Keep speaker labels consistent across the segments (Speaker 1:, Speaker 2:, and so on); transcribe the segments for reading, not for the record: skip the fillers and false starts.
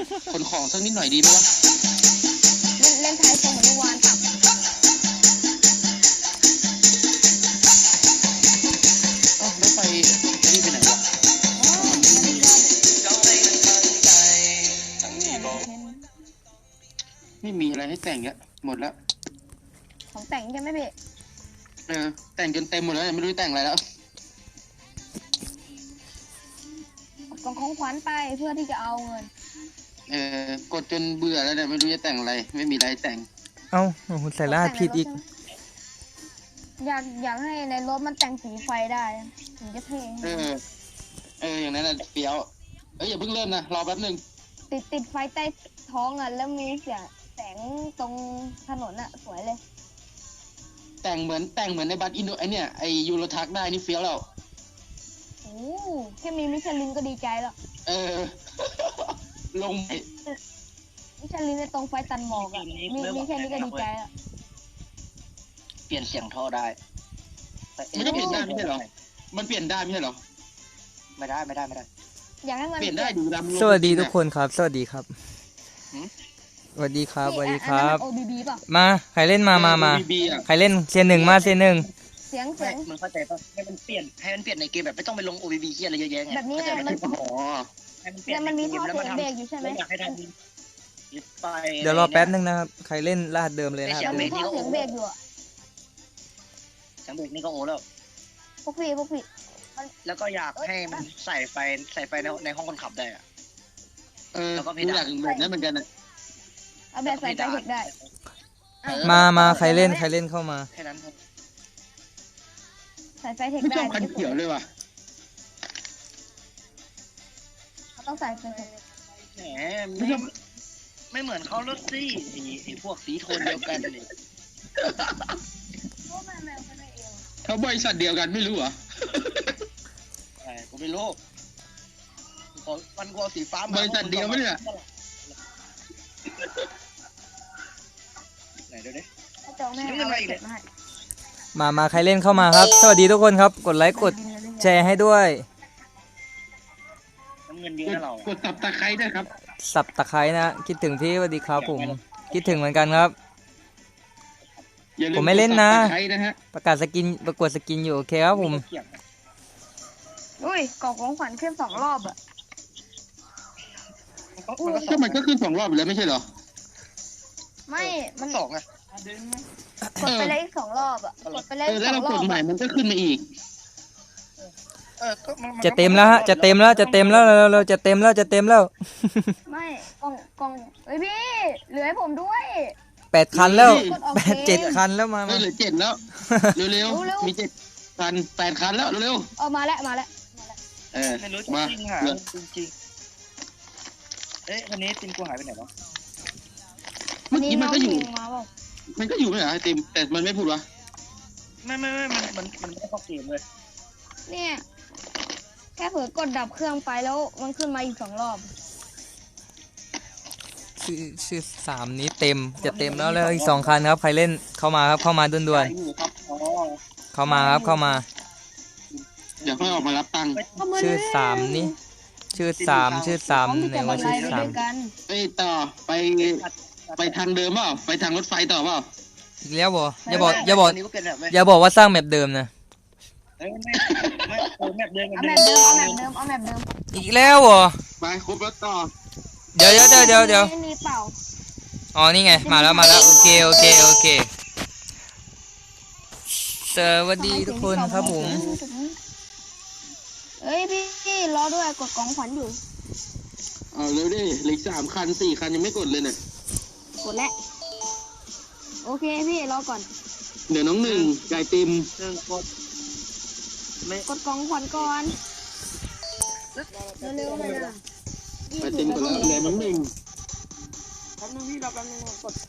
Speaker 1: ขนของสักนิดหน่อยดีไหมวะ
Speaker 2: เล่นไทยทรงเหมือนเมื่อวานตับ
Speaker 1: รถไฟนี่ไปไหนวะไม่มีอะไรให้แต่งเยอะหมดแล้ว
Speaker 2: ของแต่งใช่ไหมพี่
Speaker 1: แต่งจนเต็มหมดแล้วไม่รู้แต่งอะไรแล้ว
Speaker 2: กองของขวัญไปเพื่อที่จะเอาเงิน
Speaker 1: กดจนเบื่อแล้วเนี่ยไม่รู้จะแต่งอะไรไม่มีอะไรแต่ง
Speaker 3: เอ้าใส่รหัสผิดอีก
Speaker 2: อยากให้ในรถมันแต่งสีไฟได้ถึงจะเท่
Speaker 1: อย่างนั้นน่ะเปียวอย่าเพิ่งเริ่มนะรอแป๊บนึง
Speaker 2: ติดไฟใต้ท้องอ่ะแล้วมีเสียงแสงตรงถนนอ่ะสวยเลย
Speaker 1: แต่งเหมือนในบัสอินโดไอเนี่ยไอยูโรทักได้นี่เฟี้ยวแล้ว
Speaker 2: โอ้แค่มีมิชลินก็ดีใจแล้ว
Speaker 1: ลง
Speaker 2: มิชลินในตรงไฟตันหมอกอ่ะมีแค่นี้ก็ดีใจแล้ว
Speaker 4: เปลี่ยนเสียงท่อได้
Speaker 1: มันก็เปลี่ยนได้ไม่ใช่เหรอมันเปลี่ยนได้ไม่ใช่เหรอ
Speaker 4: ไม่ได้
Speaker 2: อยากให้มัน
Speaker 1: เปลี่ยนได้ดูดำ
Speaker 3: สวัสดีทุกคนครับสวัสดีครับสวัสดีครับสวัสดีครับมาใครเล่นมาใครเล่นเซียนหนึ่งมาเซียนหนึ่ง
Speaker 2: เสียง
Speaker 4: มันเข้าใจป่ะให้มันเปลี่ยนในเกมแบบไม่ต้องไปลง OBB เหี้ยอะไรเยอะแยะไง
Speaker 2: แบบนี้มันมีท่อเสียงเบรกอยู่ใช่ไหม
Speaker 3: เดี๋ยวรอแป๊บนึงนะครับใครเล่นรหัสเดิมเลยนะครับ
Speaker 2: มีท่อเสียงเบรกอยู่
Speaker 4: เสียงเบรกนี่ก็โอ้แล้ว
Speaker 2: พวกพี่
Speaker 4: แล้วก็อยากให้มันใส่ไฟในห้องคนขับได้อะ
Speaker 1: แล้วก็อยากแบบนั้นเหมือนกันนะ
Speaker 2: เอาแบบใส่ไฟเทคได้
Speaker 3: มาใครเล่นเข้ามา
Speaker 4: แค่นั้น
Speaker 2: ใส่ไฟเทคได้
Speaker 1: ไม่ชอบคันเขียวเลยว่ะ
Speaker 2: เขาต้องใส่ไฟเทค
Speaker 4: แหมไม่เหมือนเขารถซี่ไอ้พวกสีโทนเดียวกันเลย
Speaker 1: เขาบริษัทเดียวกันไม่รู้เหรอ
Speaker 4: ผมไม่รู้มันกลัวสีฟ้า
Speaker 1: บริษัทเดียวไม่เนี่ย
Speaker 4: ไหนเดี๋ยวนี้
Speaker 3: มาใครเล่นเข้ามาครับสวัสดีทุกคนครับกดไลค์กดแชร์ให้ด้วย
Speaker 4: เงินเยอะเรา
Speaker 1: กดสับตะไคร้ด้วยครับ
Speaker 3: สับตะไคร้นะคิดถึงพี่สวัสดีครับผมคิดถึงเหมือนกันครับผมไม่เล่นนะประกาศสกินประกวดสกินอยู่โอเคครับผม
Speaker 2: อุ้ยกล่องของขวัญขึ้น2 รอบอ่ะ
Speaker 1: ก็มันก็ขึ้น2 รอบแล้วไม่ใช่เหรอ
Speaker 2: ไม่มัน
Speaker 4: 2อ่ะ
Speaker 2: กดไปเลยอีก2 รอบอ่ะกดไปเลย
Speaker 1: แล้วเรากดใหม่มันก็ขึ้นมาอีก
Speaker 3: จะเต็มแล้วฮะจะเต็มแล้วเราจะเต็มแล้ว
Speaker 2: ไม่กล่องเฮ้ยพี่เหลือให้ผมด้วย
Speaker 3: 8 คันแล้ว7 คันแล้วมา
Speaker 1: เหลือ7แล้วเร็วมี7 คัน8 คันแล้วเร็ว
Speaker 2: มาแล้ว
Speaker 4: ไม่รู้จริงหาจริงวันนี้ติมกูหายไปไหนวะ
Speaker 1: เมื่อกี้มันก็อยู่ไม่เหรอไอติมแต่มันไม่พูดวะ
Speaker 4: ไม่มันไม่เข้าเกมเลย
Speaker 2: เนี่ยแค่เผลอกดดับเครื่องไปแล้วมันขึ้นมาอีก2 รอบ
Speaker 3: ชื่อ3นี้เต็มจะเต็มแล้วอีก2 คันครับใครเล่นเข้ามาครับเข้ามาด่วนๆเข้ามาครับเข้ามา
Speaker 1: เดี๋ยวค่อยออกมารับตังค์
Speaker 3: ชื่อ3นี้ชื่อ3ไหนว่าชื่อ3
Speaker 1: ต่อไปทางเดิมเปล่าไปทางรถไฟต่อเปล่า
Speaker 3: อีกแล้วบ่อย่าบอกว่าสร้างแมปเดิมนะ
Speaker 4: เอาแมปเดิม
Speaker 3: อีกแล้วบ่
Speaker 1: ไปครบแล้วต่อ
Speaker 3: เดี๋ยว
Speaker 2: มีเปล่า
Speaker 3: อ๋อนี่ไงมาแล้วโอเคสวัสดีทุกคนครับผม
Speaker 2: เฮ้ยพี่รอด้วยกดกล่องขวัญอยู่
Speaker 1: เร็วดิเหลือ3 คัน 4 คันยังไม่กดเลยเนี่ย
Speaker 2: กดแล้วโอเคพี่รอก่อน
Speaker 1: เดี๋ยวน้องหนึ่งไก่ติม
Speaker 2: กดกล่องขวัญก่อนเร็วๆเลยนะ
Speaker 1: ไก่ติมกดแล้วเหลือน้องหนึ่ง
Speaker 4: แป๊บนึงพี่รอแป๊บนึงกด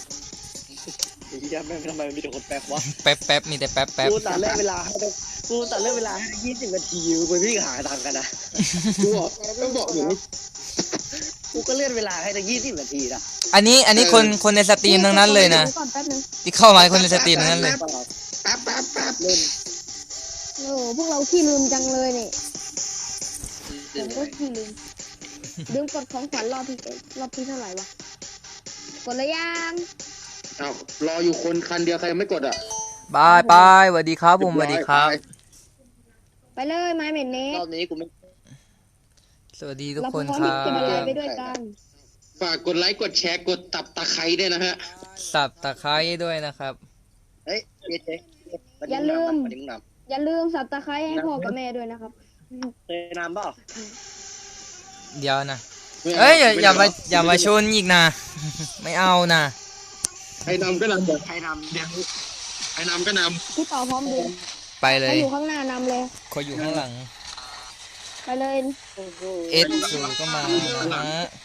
Speaker 4: แม่ทำไมมีแต่คนแป๊บวะ
Speaker 3: แป๊บมีแต่แป๊บ
Speaker 4: กูตัดเล่นเวลาให้20 นาทีไปพี่หาตังกันนะ
Speaker 1: กูบอกอยู่
Speaker 4: กูก็เลื่อนเวลาให้ตั้ง20 นาทีนะ
Speaker 3: อันนี้คนในสตรีมทั้งนั้นเลยนะที่เข้ามาคนในสตรีมทั้งนั้นเลย
Speaker 1: แป๊บ
Speaker 2: เล่นโอ้พวกเราขี้ลืมจังเลยนี่ผมก็ขี้ลืมลืมกดของขวัญรอบที่เท่าไหร่วะกดเลยยัง
Speaker 1: อ้าวรออยู่คนคันเดียวใครยังไม่กดอ่ะ
Speaker 3: บายบายสวัสดีครับผมสวัสดีครับ
Speaker 2: ไปเลยไม้เหม็นเน็
Speaker 4: รอบนี้กูไม่
Speaker 3: สวัสดีทุก
Speaker 2: เรา
Speaker 3: คน
Speaker 2: พร้อม
Speaker 3: ครั
Speaker 2: ที่จะบรรยาย
Speaker 3: บ
Speaker 2: ไปด้วยกัน
Speaker 1: ฝากกดไลค์กดแชร์กดตับตะไคร้ด้วยนะฮะ
Speaker 3: สับตะไคร้ด้วยนะครับ
Speaker 4: เฮ้ยเจ๊
Speaker 2: อย่าลืม
Speaker 4: วันนี้มึงน
Speaker 2: อย่าลืมสับตะไคร้ให้พ่อกับแม่ด้วยนะครับ
Speaker 4: ำเคยนำเปล่า
Speaker 3: เดี๋ยวนะเอ้ยอย่ามาชนอีกนะ ไม่เอานะ
Speaker 1: ใครนำก็นำเดี๋ยว
Speaker 4: ใครนำ
Speaker 1: เดี๋ยวใครนำก็น
Speaker 2: พี่ต่อพร้อมดู
Speaker 3: ไปเล
Speaker 2: ใคร
Speaker 3: ย
Speaker 2: อยู่ข้างหน้านำเลย
Speaker 3: ขออยู่ข้างหลัง
Speaker 2: ไปเลย
Speaker 4: โอ้โห
Speaker 3: เอสสูก็มานะ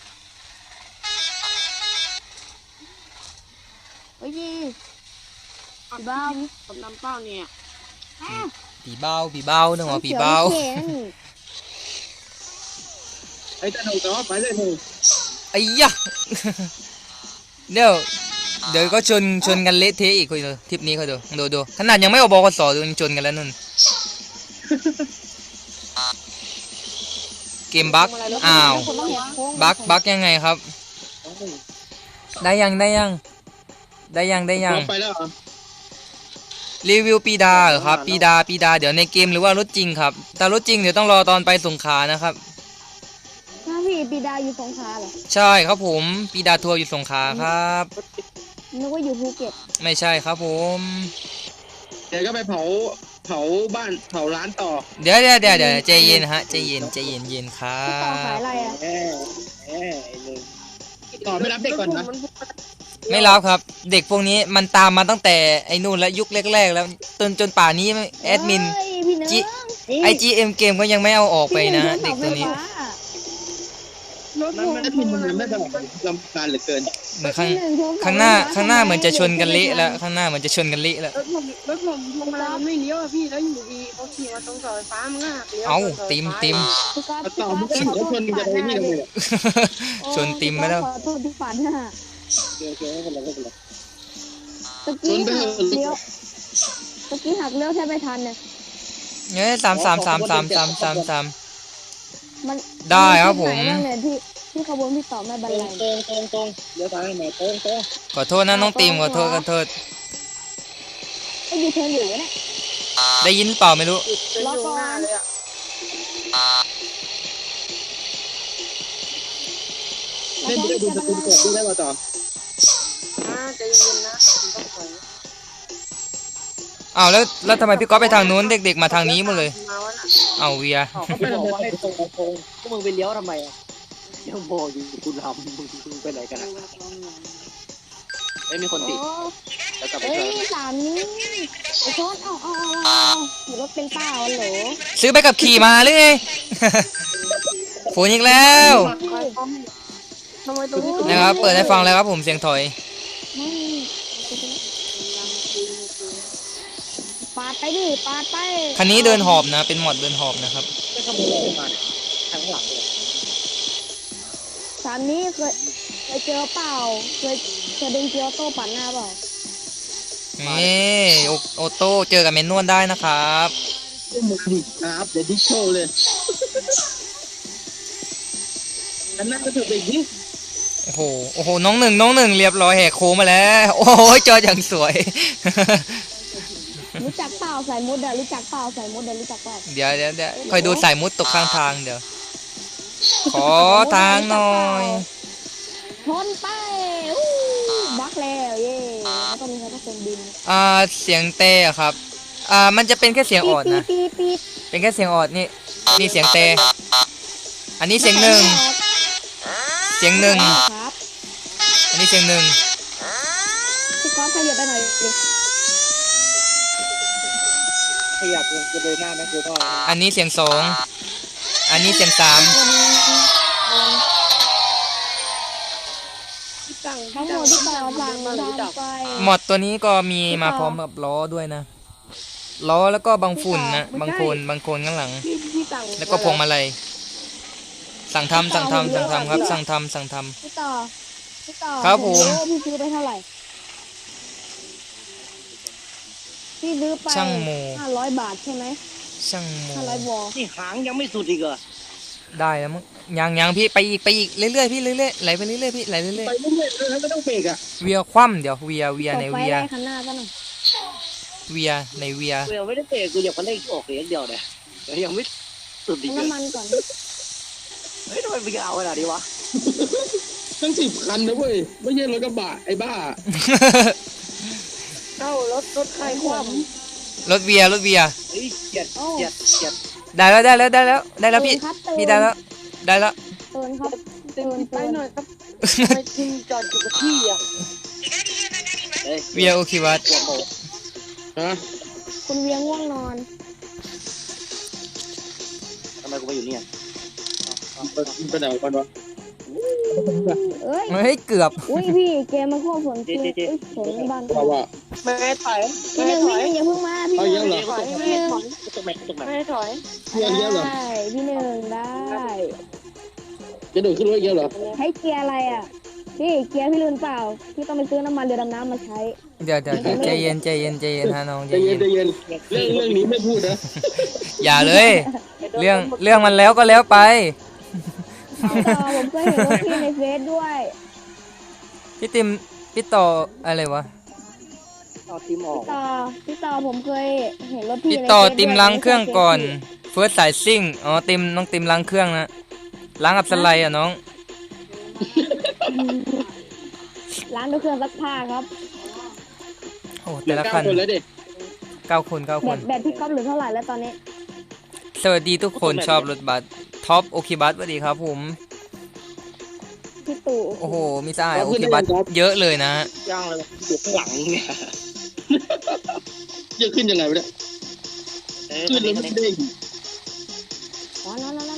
Speaker 2: โอ้ยพี่บ้าผมนำเป้าเนี่ย
Speaker 3: ผีเบ้านึกว่าผีเบ้า
Speaker 2: เขียวนี่
Speaker 1: ำไอ้เจ้าหนูต่อไปเลยหนู
Speaker 3: ไอ้ยะ เดี๋ยวก็ชนกันเละเทะอีกคุยดูทริปนี้เขาดูขนาดยังไม่ออกบกสดูยังชนกันแล้วนุ่น เกมบั๊กอ้าว
Speaker 2: คนต้องแหกโค้ง
Speaker 3: บั๊กยังไงครับ ได้ยัง
Speaker 1: ต่อไปแล้วเหรอ
Speaker 3: รีวิวปีดาเหรอครับปีดาเดี๋ยวในเกมหรือว่ารถจริงครับแต่รถจริงเดี๋ยวต้องรอตอนไปสงขลานะครับ
Speaker 2: ถ้าพี่ปีดาอยู่สงขลาเหรอ
Speaker 3: ใช่ครับผมปีดาทัวร์อยู่สงขลาครับ
Speaker 2: นึกว่าอยู่ภูเก็ต
Speaker 3: ไม่ใช่ครับผม
Speaker 1: เดี๋ยวก็ไปเผาบ้านเผาร้านต่อ
Speaker 3: เดี๋ยวใจเย็นฮะใจเย็นครั
Speaker 2: พี่ต่อขาย
Speaker 3: บ
Speaker 2: อะไรอ่ะ
Speaker 4: ไอ้หนึ่ง
Speaker 1: ต่อไม่รับเด็กก่อนนะ
Speaker 3: ไม่รับครับ เด็กพวกนี้มันตามมาตั้งแต่ไอ้นู่นแล้วยุคแรกๆแล้วจนป่านี้แอดมิน
Speaker 2: เฮ้ยพี่เนื้
Speaker 3: จิ
Speaker 2: อ
Speaker 3: IGM เกมก็ยังไม่เอาออกไปนะเด็กตัวนี้
Speaker 1: มันไม่ได้พิมพ์มันไม่ได้แบบลำคาญเหลือเกิน
Speaker 3: เหมือนข้างหน้าเหมือนจะชนกันเละแล้วข้างหน้าเหมือนจะชนกันเละแล้ว
Speaker 5: รถผมพวงมาลัยมันไม่เลี้ยวอะพี่แล้วอยู่ดีเขาขี่มาตรงเสาไฟฟ้ามันก็หักเลี้ยว
Speaker 3: เอ้า
Speaker 5: เสาไฟ
Speaker 3: ติม
Speaker 2: พี่ก๊อฟ
Speaker 1: ต่อมันก็ถือว่าชนกันไปนี่เลย
Speaker 3: ชนติมไปแล้ว
Speaker 2: ขอโทษที่ฝันฮะ
Speaker 1: โอเคไม่เป็นไรไม่เป็นไร
Speaker 2: ตะกี้หักเลี้ยวตะกี้หักเลี้ยวแทบไม่ทันเนี่ย
Speaker 3: เนี่ยสาม
Speaker 2: มัน
Speaker 3: ได้ครับผม
Speaker 2: นไหนางเนี่ยที่ขบวนพี่ต่อไม่บรรลัย
Speaker 4: ตรงเลี้ยวซ้ายไหนตรง
Speaker 3: ขอโทษนะน้องติมขอโทษ
Speaker 2: ไอ้ยูเทิร์นอยู่เนี่ย
Speaker 3: ได้ยินเปล่าไม่รู้
Speaker 5: จะอยู่หน้าเลยอะ
Speaker 1: เล่นด้วยดูสกุลกดด้วยได้ป่ะต่อ
Speaker 5: ใจเย็นๆนะผมต้องถอย
Speaker 3: อ้าวแล้วทำไมพี่ก๊อฟไปทางนู้นเด็กๆมาทางนี้หมดเลย
Speaker 5: มาวะน่ะ
Speaker 3: เอาเวีย
Speaker 4: เขาก็บอกว่าให้ตรงพวกมึงไปเลี้ยวทำไมอ่ะยังบอกอยู่กูทำมึงไปไหนกันอ่ะไม่มีคน
Speaker 2: โอ้
Speaker 4: ติดแล้วกลับไป
Speaker 2: เอ้
Speaker 4: เจอย
Speaker 2: สามนี้ไอ้โทษเอาขี่รถเป็นเป้าเหรอ
Speaker 3: ซื้อไปกับขี่มาหรือไง ฝนอีกแล้ว
Speaker 5: ทำไมตรงนี้
Speaker 3: นะครับเปิดให้ฟังแล้วครับผมเสียงถอย
Speaker 2: ปาดไปดิปาดไป
Speaker 3: คันนี้เดินหอบนะ เป็นหมอดเดินหอบนะครับ
Speaker 4: ไม่ขโมยอะไรมาเนี่ยทางหลังเลย
Speaker 2: สามนี้เคยเจอเปล่าเคยดึงเกียวโต้ปั่นหน้าเปล่า
Speaker 3: นี่โอโต้เจอกับเมนนวลได้นะครับ
Speaker 1: มึงดิครับเดี๋ยวดิโชว์เลยอันนั้นก็ถือไปยิง
Speaker 3: โอ้โหน้องหนึ่งเรียบร้อยแหกโค้งมาแล้ว โอ้ยจออย่างสวย
Speaker 2: รู้จักเปล่าใส่มุดอะรู้จักเปล่าใส่มุดอะรู้จักเปล่า
Speaker 3: เดี๋ยวคอยดูสายมุดตกข้างทางเดี๋ยว ขอทางหน่อย
Speaker 2: ชนไปอู้บักแล้วเย่แล้วก็มีใครต้องเป็นบิน
Speaker 3: เสียงเตะครับ มันจะเป็นแค่เสียงออดนะ
Speaker 2: ปี๊ด
Speaker 3: เป็นแค่เสียงออดนี่เสียงเตะอันนี้เสียงหนึ่ง
Speaker 2: ครับ
Speaker 3: อันนี้เสียงหนึ่ง
Speaker 2: พี่ก๊อฟขยับไปหน่อยดิ
Speaker 4: ขยับจะเดินหน้านะคือพ่อ
Speaker 3: อันนี้เสียงสองอันนี้เสียงสาม
Speaker 2: ทั้งหมดที่ต่อสั่งทำไป
Speaker 3: หมอดตัวนี้ก็มีมาพร้อมกับล้อด้วยนะล้อแล้วก็บางฝุ่นนะบางโคนข้างหลัง
Speaker 5: พี่สั่ง
Speaker 3: แล้วก็พวงมาลัยสั่งทำครับสั่งทำ
Speaker 2: พี่ต่อ
Speaker 3: ครับผม
Speaker 2: พี่ซื้อไปเท่าไหร่พี่ซื้อไป
Speaker 3: ช่างโม
Speaker 2: 500 บาทใช่ไหม
Speaker 3: ช่างโม
Speaker 2: 500 วอล
Speaker 4: นี่หางยังไม่สุดอีกเหรอ
Speaker 3: ได้แล้วมั้งยังพี่ไปอีกเรื่อยๆพี่เรื่อยๆไหลไปเรื่อยๆพี่ไหลเรื่อย
Speaker 1: ไปเรื่อยๆแล้วไม่ต้องเบรกอ่ะ
Speaker 3: ๆเวียคว่ำเดี๋ยวเวีย
Speaker 2: ต
Speaker 3: ใน
Speaker 2: กไฟ
Speaker 3: เวีย
Speaker 2: ได้ข้างหน้าซะหน่อย
Speaker 3: เวียในเวีย
Speaker 4: กูยังไม่ได้เตะกูอยากมาเล่นออกเองเดียวเนี่ยยังไม่สุดดี
Speaker 2: เอา
Speaker 4: เลย
Speaker 2: น้ำมันก่อน
Speaker 4: เฮ้ยทำไมมึงเอาขนาดนี้วะ
Speaker 1: ตั้ง10 คันนะเว้ยไม่ใช่รถกระบะไอ้บ้า
Speaker 5: เอ้ารถใครคว่
Speaker 3: รถเวีย
Speaker 4: เฮ้ยเกลียด
Speaker 3: ได้แล้วพี่
Speaker 2: ครับ
Speaker 3: พี่ได้แล้ว
Speaker 2: เตือนครับ
Speaker 5: ำเต็มที่ไปหน่อยครับทำไมทีมจอดอยู่กับที่อ่ะ
Speaker 4: เฮ้ย
Speaker 3: เวียโอเควัด
Speaker 4: หัวโต
Speaker 1: ฮะ
Speaker 2: คุณเวียง่วงนอน
Speaker 4: ทำไมกูมาอยู่เนี่ย
Speaker 1: ไปไหนกันวะ
Speaker 2: เอ้ย
Speaker 3: เฮ้ยเกือบ
Speaker 2: อุ้ยพี่เกมมาควบฝนเกมอุ้ยฝนในบ้าน
Speaker 1: ว่า
Speaker 5: ไม่ให้ถอย
Speaker 2: พี่หนึ่งอย่าเพิ่งมาพี่หนึ่ง
Speaker 5: ถอยไม่ให้ถอย
Speaker 4: ตกแม็กตกแม็ก
Speaker 5: ไม่ให้ถอย
Speaker 1: เกียร์เยอะเหรอ
Speaker 2: ได้พี่หนึ่งได้
Speaker 1: จะโดดขึ้นรถเยอะเหรอ
Speaker 2: ให้เกียร์อะไรอ่ะพี่เกียร์พี่ลืมเปล่าพี่ต้องไปซื้อน้ำมันเรือดำน้ำมาใช้
Speaker 3: เดี๋ยวใจเย็นฮะน้องใจ
Speaker 1: ใจเย็
Speaker 3: เย็
Speaker 1: น
Speaker 3: น
Speaker 1: ใจเย็นเรื่องนี้ไม่พูดนะ
Speaker 3: อย่าเลย เรื่องมันแล้วก็แล้วไป
Speaker 2: พี่ต่อผมเคยเห็นรถพี่ในเฟซด้วย
Speaker 3: พี่ต่ออะไรวะ
Speaker 4: เอาทีมออก
Speaker 2: พี่ต่อผมเคยเห็นรถพี่
Speaker 3: พี่
Speaker 2: ใน
Speaker 3: ต่อ
Speaker 2: เฟซด้วย
Speaker 3: ติมล้างเครื่องก่อนเฟิร์สสายซิ่งอ๋อน้องติมล้างเครื่องนะล้างกับสไลด์อ่ะน้อง
Speaker 2: ร้านด้วยเครื่องซักผ้าครับ
Speaker 3: โอ้
Speaker 1: เหลื
Speaker 3: แต่
Speaker 1: อ
Speaker 3: ละ
Speaker 1: 9
Speaker 3: คัน
Speaker 1: คนแล้วเด็ก
Speaker 3: 9 คน
Speaker 2: แบตพี่ก๊อฟเหลือเท่าไหร่แล้วตอนนี้
Speaker 3: สวัสดีทุกคนชอบรถบัสท็อปโอเคบัสสวัสดีครับผม
Speaker 2: พี่ตู่
Speaker 3: โอ้โหมีสายโอเคบัสเยอะเลยนะ
Speaker 4: ย่างเลยอยู่ข้างหลังเนี่ย
Speaker 1: จะขึ้นยังไงวะเนี่ยขึ้นแล้วไม่ได้
Speaker 2: อ๋อนอน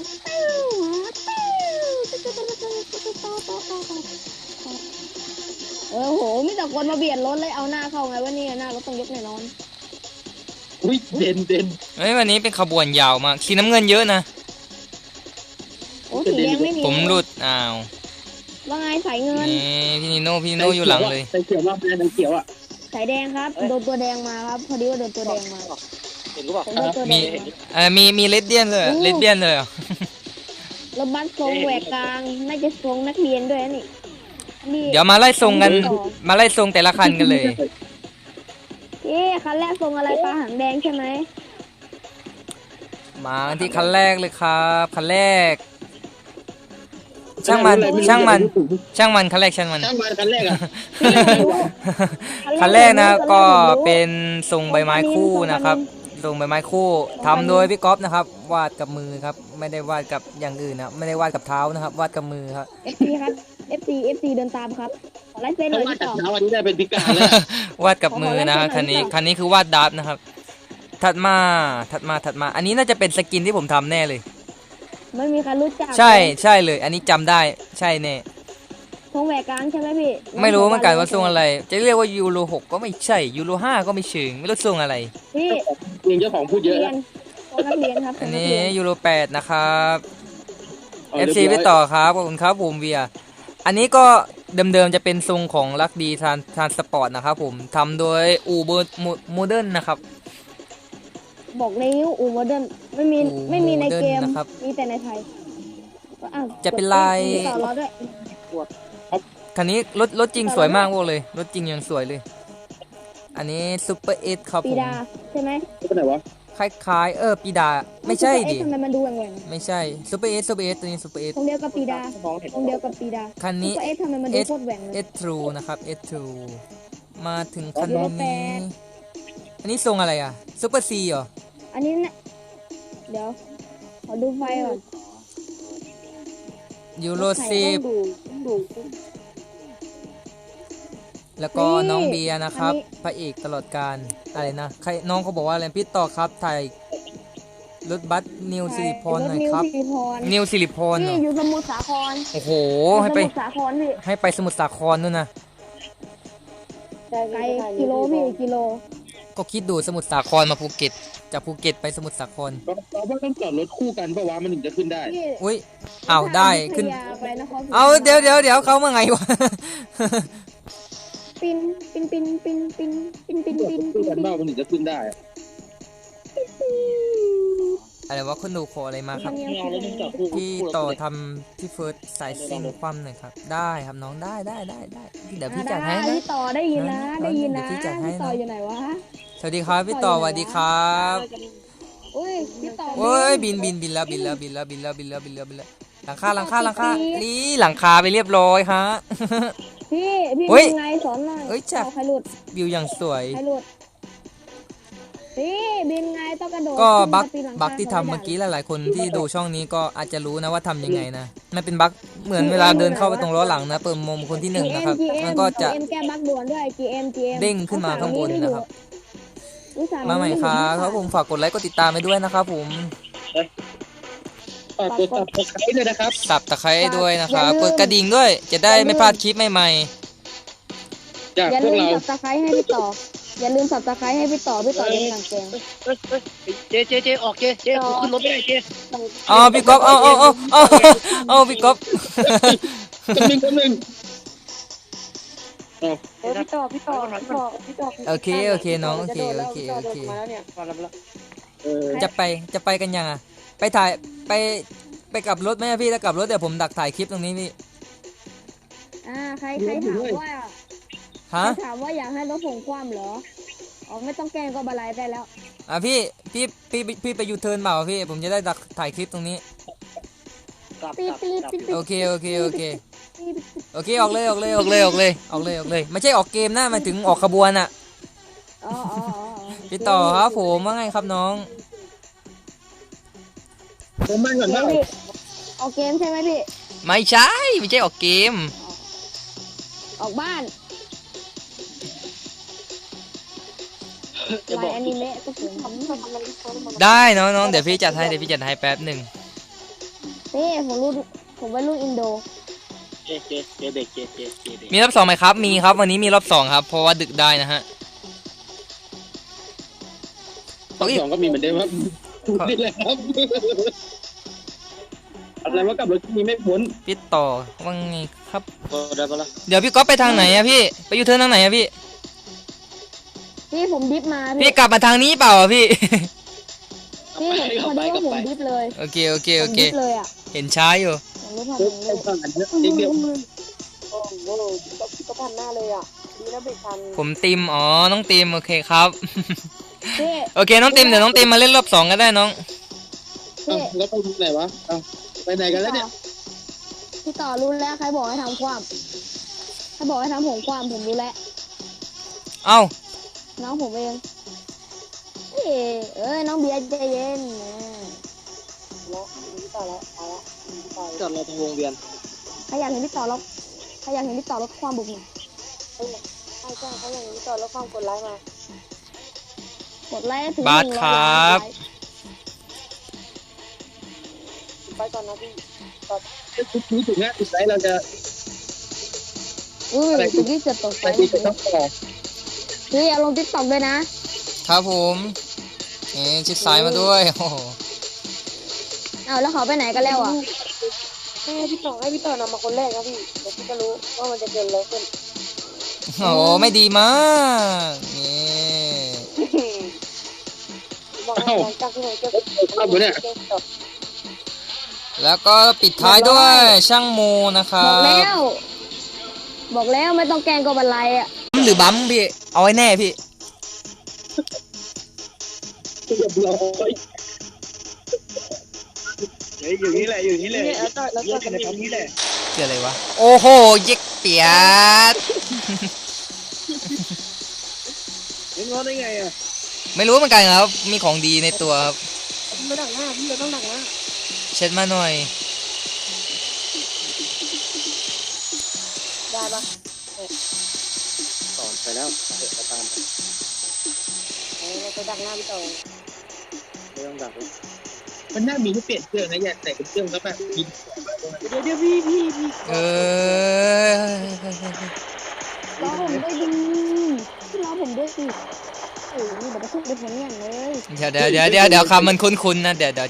Speaker 2: โอ้โหมีแต่คนมาเบียดรถเลยเอาหน้าเข้าไงวะเนี่ยหน้ารถต้องยกแน่นอน
Speaker 1: อุ้ยเด่น
Speaker 3: เฮ้ยวันนี้เป็นขบวนยาวมากสีน้ำเงินเยอะนะ
Speaker 2: โอ้สีแดงไม่มี
Speaker 3: ผมหลุดอ้าว
Speaker 2: ว่าไงสายเงิน
Speaker 3: นี่พี่นิโน่อยู่หลังเลย
Speaker 1: ใส่เขียวว่าเป็นเขียวอ่ะ
Speaker 2: สายแดงครับโดนตัวแดงมาครับพอดีว่าโดนตัวแดงมา
Speaker 4: เห็นกูบอก
Speaker 2: ผมโดนตัวแด
Speaker 3: มี
Speaker 2: งมา
Speaker 3: มีเลดเดียนเลยเลดเดียนเลยเหรอ
Speaker 2: รถบัสทรงแหวกกลางน่าจะทรงนักเรียนด้วยนะนี่นี่
Speaker 3: เดี๋ยวมาไล่ทรงกันมาไล่ทรงแต่ละคันกันเลย
Speaker 2: คันแรกทรงอะไรปลาหางแดงใช่ไหม
Speaker 3: มาที่คันแรกเลยครับคันแรก ช่างมันคันแรกช่างมัน
Speaker 1: ช่างมันคันแรกอ่ะ
Speaker 3: คันแรกนะก็เป็นทรงใบไม้คู่นะครับทรงใบไม้คู่ทำโดยพี่ก๊อฟนะครับวาดกับมือครับไม่ได้วาดกับอย่างอื่นนะไม่ได้วาดกับเท้านะครับวาดกับมือครับ
Speaker 2: FC ครับ FC เดินตามครับขอไลฟ์เซ็นห
Speaker 1: เพ
Speaker 2: น่อ
Speaker 1: ราะ
Speaker 2: ย
Speaker 1: ว่า
Speaker 2: พี่
Speaker 1: จาก
Speaker 2: ต่อ
Speaker 1: เช้าวันนี้ได้เป็นพิการแล้ว
Speaker 3: วาดกับมือนะครับคันนี้คือวาดดับนะครับถัดมาอันนี้น่าจะเป็นสกินที่ผมทำแน่เลย
Speaker 2: ไม่มีใครรู้จัก
Speaker 3: ใช่เลย อันนี้จำได้ใช่แน่
Speaker 2: ทรงแหวกกลางใช่ไหมพี่
Speaker 3: ไม่รู้เหมือนกันว่าทรงอะไร จะเรียกว่ายูโร6ก็ไม่ใช่ยูโร5ก็ไม่เชิงไม่รู้ทรงอะไร
Speaker 2: พี่
Speaker 1: เองเจ้าของพูดเยอะ
Speaker 2: เรียนทรงนักเรียนครับ
Speaker 3: อัน
Speaker 2: ทรง
Speaker 3: นี้
Speaker 2: กเรีย
Speaker 3: ยูโร8นะครับ
Speaker 1: เรียบ
Speaker 3: FC
Speaker 1: ร้
Speaker 3: ไป
Speaker 1: อย
Speaker 3: ต่อครับขอบคุณครับผมเวียอันนี้ก็เดิมๆจะเป็นทรงของลักดีทานสปอร์ตนะครับผมทำโดยอูเบอร์โมเดิร์นนะครับ
Speaker 2: บอกเลยอูโมเดิร์นไม่มีในเกม
Speaker 3: นะครับ
Speaker 2: มีแต่ในไทยก็อ้าว
Speaker 3: จะเป็นลาย
Speaker 2: มีต่อรถด้วย
Speaker 3: คันนี้รถจริงสวยมากพวกเลยรถจริงยังสวยเลย อันนี้ซูเปอร์เอสครับ
Speaker 2: ปี
Speaker 3: ผม
Speaker 2: ดาใช่ไหม
Speaker 1: ไปไหนวะ
Speaker 3: คล้ายปีดาไม่ใช่ดิ
Speaker 2: ทำไมมันดูแหว่ง
Speaker 3: ไม่ใช่ซูเปอร์เอสตัวนี้ซูเปอร์เอส
Speaker 2: ๆทรงเดียวกับปีดา
Speaker 4: มองเห็น
Speaker 2: ทรงเดียวกับปีดา
Speaker 3: คันนี้
Speaker 2: ซุปเปอร์เอสทำไมมันดูโคตรแหว่งเลย
Speaker 3: S True นะครับ S True มาถึงคัน
Speaker 2: ยูโร
Speaker 3: นี้
Speaker 2: 8
Speaker 3: อันนี้ทรงอะไรอ่ะซูเปอร์ซีเหรอ
Speaker 2: อันนี้นะเดี๋ยวขอดูไฟก่อน
Speaker 3: ยูโร
Speaker 2: ใส่
Speaker 3: 10
Speaker 2: ต้องดู
Speaker 3: แล้วก็
Speaker 2: นี่
Speaker 3: น้องเบียร์นะครับ
Speaker 2: อันนี้
Speaker 3: พระเอกตลอดการอะไรนะใครน้องเขาบอกว่าอะไรพี่ต่อครับถ่ายรถบัสนิวสิริพรหน่อยครับ
Speaker 2: ถนิวสิริพร
Speaker 3: นิวสิริพรเหร
Speaker 2: นี่
Speaker 3: อ
Speaker 2: อยู่สมุทรสาคร
Speaker 3: โอ้โห
Speaker 2: อยู่
Speaker 3: ให้
Speaker 2: ส
Speaker 3: ไป
Speaker 2: มุทรสาครพี่
Speaker 3: ให้ไปสมุทรสาครนู่นนะ
Speaker 2: ไกลกิโลพี่กิโล
Speaker 3: ก็คิดดูสมุทรสาครมาภูเก็ตจากภูเก็ตไปสมุทรสาคร
Speaker 1: เราว่าต้องจอดรถคู่กันเพราะว่ามันถึงจะขึ้นได้
Speaker 2: พี่
Speaker 3: อุ้ยอ้าวได้ขึ้น
Speaker 2: ถ้าอยุธยาไปนครศรี
Speaker 3: เอาเดี๋ยวเขามาไงวะ
Speaker 2: ปิน
Speaker 1: คู่กันบ้ามันถึงจะขึ้นได้อะ
Speaker 3: อะไรวะคนดูขออะไรมาครับ
Speaker 4: ไม่เอาแล้วมึงจับคู่
Speaker 3: พี่ต่อทำที่เฟิร์สสายซิงคว่ำหน่อยครับได้ครับน้องได้เดี๋ยวพี่จัดให้นะ
Speaker 2: พี่ต่อได้ยินนะ ได้ยินนะ
Speaker 3: เดี๋ยวพี่จัดให้นะ
Speaker 2: พี่ต่ออยู่ไหนวะ
Speaker 3: สวัสดีครับพี่ต่อสวัสดีครับ
Speaker 2: อุ้ยพี่ต่อ
Speaker 3: โอ้ยบินแล้วหลังคานี่หลังคาไปเรียบร้อยฮะ
Speaker 2: พี่
Speaker 3: เฮ้ย
Speaker 2: บินไงสอนหน่อย
Speaker 3: เฮ้ยจับ
Speaker 2: เอาใครหลุด
Speaker 3: วิวอย่างสวย
Speaker 2: ใครหลุดพี่บินไงต้องกระโดด
Speaker 3: ก็
Speaker 2: ขึ้น
Speaker 3: บั๊ก
Speaker 2: ปีนหลังคา
Speaker 3: บั๊กที่ทำเมื่อกี้
Speaker 2: ขา
Speaker 3: หลายๆคนที่ดูช่องนี้ก็อาจจะรู้นะว่าทำยังไงนะมันเป็นบั๊กเหมือนเวลาเดินเข้าไปตรงล้อหลังนะเปิดมุมคนที่หนึ่งนะครับ
Speaker 2: GM
Speaker 3: มันก็จะ
Speaker 2: GM แก้บั๊กด่วนด้วย GM
Speaker 3: เด้งขึ้นมาข้างบนนะครับ
Speaker 2: อุตส่ห์
Speaker 3: มาใหม่ครับผมฝากกดไลค์กดติดตามไปด้วยนะครับผม
Speaker 1: ฝากกดตับตะไคร้เลยนะครับ
Speaker 3: สับตะไคร้ด้วยนะครับกดกระดิ่งด้วยจะได้ไม่พลาดคลิปใหม่
Speaker 1: จาก
Speaker 2: อย่า
Speaker 1: พว
Speaker 2: ลื
Speaker 1: ก
Speaker 2: ม
Speaker 1: เรา
Speaker 2: สับตะไคร้ให้พี่ต่อ อย่าลืมสับตะไคร้ให้พี่ต่อพี่ต่อเล่นกางเกง
Speaker 4: เจออกเจกูขึ้นรถไม่ได้เจ
Speaker 3: ๆอ๋อพี่ก๊อฟเอาพี่ก๊อฟ
Speaker 1: คนหนึ่ง
Speaker 5: พี่ต่อ
Speaker 3: โอเคน้องโอเค
Speaker 5: มาแล้วเนี่ยมาแล้ว
Speaker 3: จะไปกันยังอ่ะไปถ่ายไปกลับรถไหมอะพี่ถ้ากลับรถเดี๋ยวผมดักถ่ายคลิปตรงนี้พี่
Speaker 2: ใครถามว่า
Speaker 3: ฮะ
Speaker 2: ถามว่าอยากให้รถผมคว่ำเหรออ๋อไม่ต้องแกล้งก็บาลายได้แล้ว
Speaker 3: พี่ไปยูเทิร์นเปล่าพี่ผมจะได้ดักถ่ายคลิปตรงนี้
Speaker 2: ปีด
Speaker 3: โอเคออกเลยไม่ใช่ออกเกมนะหมายถึงออกขบวนอ่ะ
Speaker 2: อ๋อ
Speaker 3: พี่ต่อครับผมว่าไงครับน้อง
Speaker 1: ผมมาก่อนนะ
Speaker 2: ออกเกมใช่ไหมพี่
Speaker 3: ไม่ใช่ออกเกม
Speaker 2: ออกบ้าน
Speaker 4: จะ
Speaker 2: ไล
Speaker 4: บอก
Speaker 2: น์อนิเมะก็ถึง
Speaker 3: ได้น้องเดี๋ยวพี่จัดให้แป๊บหนึ่ง
Speaker 2: นี่ผมไปรุ่นอินโด
Speaker 4: เจเบรกเจ
Speaker 3: มีรอบสองไหมครับมีครับวันนี้มีรอบสองครับเพราะว่าดึกได้นะฮะ
Speaker 1: สองก็มีเหมือนเดิมครับนี่แหละครับอะไรว่ากับรถมีไม่พ้น
Speaker 3: พี่ต่อว่าไงครับ
Speaker 4: ก็ได้ปะล่ะ
Speaker 3: เดี๋ยวพี่ก๊อฟไปทางไหนอะพี่ไปยูเทิร์นทางไหนอะพี่
Speaker 2: พี่ผมดิฟมา
Speaker 3: พี่กลับมาทางนี้เปล่าอะพี่
Speaker 2: พี่พอดีว่าผมดิฟเลย
Speaker 3: โอเค
Speaker 2: ผมดิฟเลยอ่ะ
Speaker 3: เห็นช้าอยู่
Speaker 2: ผมรู้ทัน
Speaker 1: รถไปผ่านเยอะเดียว
Speaker 5: โอ้โหก็พันหน้าเลยอ่ะดีนะเบรกทัน
Speaker 3: ผมติมน้องติมโอเคครับ
Speaker 2: พี่
Speaker 3: โอเคน้องติมเดี๋ยวน้องติมมาเล่นรอบสองก็ได้น้อง
Speaker 1: แล้วไปไหนวะไปไหนกันแล้วเนี่ย
Speaker 2: พี่ต่อรู้แล้วใครบอกให้ทำความใครบอกให้ทำผมความผมรู้แล้ว
Speaker 3: เอ้า
Speaker 2: น้องผมเองน้องเบียร์ใจเย็น
Speaker 5: แล้วพี่ต่อแล้วไป
Speaker 4: จอดรอตรงวงเวียน
Speaker 2: ใครอยากเห็นพี่ต่อแล้วใครอยากเห็นพี่ต่อลดความบุกหน่อย
Speaker 5: ใช่เขาอย่างนี้ต่อแล้วความกดไลค์มาก
Speaker 2: ดไลค์ถึง
Speaker 3: บาสครับ
Speaker 5: ไปก่อนนะพี่
Speaker 1: รู้สึกว่าสุดท้ายเราจะ
Speaker 2: สุดที่จะตก
Speaker 1: ไปที่ต้องต่อ
Speaker 2: คืออย่าลงติ๊กต็อกด้วยนะครับ
Speaker 3: ผมชิดซ้ายมาด้วยโอ้โห
Speaker 2: เอาแล้วเขาไปไหนกันแล้วอ่ะ
Speaker 5: ให้พี่ต่อนำมาคนแรกนะพี่เดี๋ยวพี่จะรู้ว่ามันจะเกิดอะไรขึ้น
Speaker 3: โอ้โหไม่ดีมากนี่
Speaker 5: บอกให้หลังจากที่ผมเจอ
Speaker 1: เข้าไปเนี่ย
Speaker 3: แล้วก็ปิดท้ายด้วยช่างโมนะค
Speaker 2: บ
Speaker 3: รั
Speaker 2: อกแล้
Speaker 3: บ
Speaker 2: วบอกแล้วไม่ต้องแกล้งก็บันไลอ่ะ
Speaker 3: หรือบัมพี่เอาไว้แน่พี่
Speaker 1: เรียบร้อย
Speaker 4: อยู่นี่แหละอยู่นี่แหละ
Speaker 5: แล้วต่อ
Speaker 4: เลือกกันในปั๊มนี้แหละ
Speaker 3: เจออะไรวะโอ้โหเย็กเปียด
Speaker 4: ยังงอได้ไงอ่ะ
Speaker 3: ไม่รู้เหมือนกันครับมีของดีในตัวครับ
Speaker 5: ไม่ดักหน้าพี่เราต้องดักหน้า
Speaker 3: เช็ดมาหน่อย
Speaker 5: ได้ปะ
Speaker 4: สอนไปแล้วเดี๋ยวตามไป
Speaker 5: เราจะดักหน้าพี่ต่อ
Speaker 4: ไม่ต้องดักแล้ว
Speaker 1: มันน่ามีที่เปลี่ยนเครื่องนะอย่าแต่เป็นเครื่องแล้วแบบมี
Speaker 5: เดี๋ยวพี่
Speaker 3: เออ
Speaker 2: รอผมด้วยดิรอผมด้วยสิโอ้ยนี่แบบจะขึ้นไปผลอย่างเลย
Speaker 3: เดี๋ยวคำมันคุ้นๆนะเดี๋ยว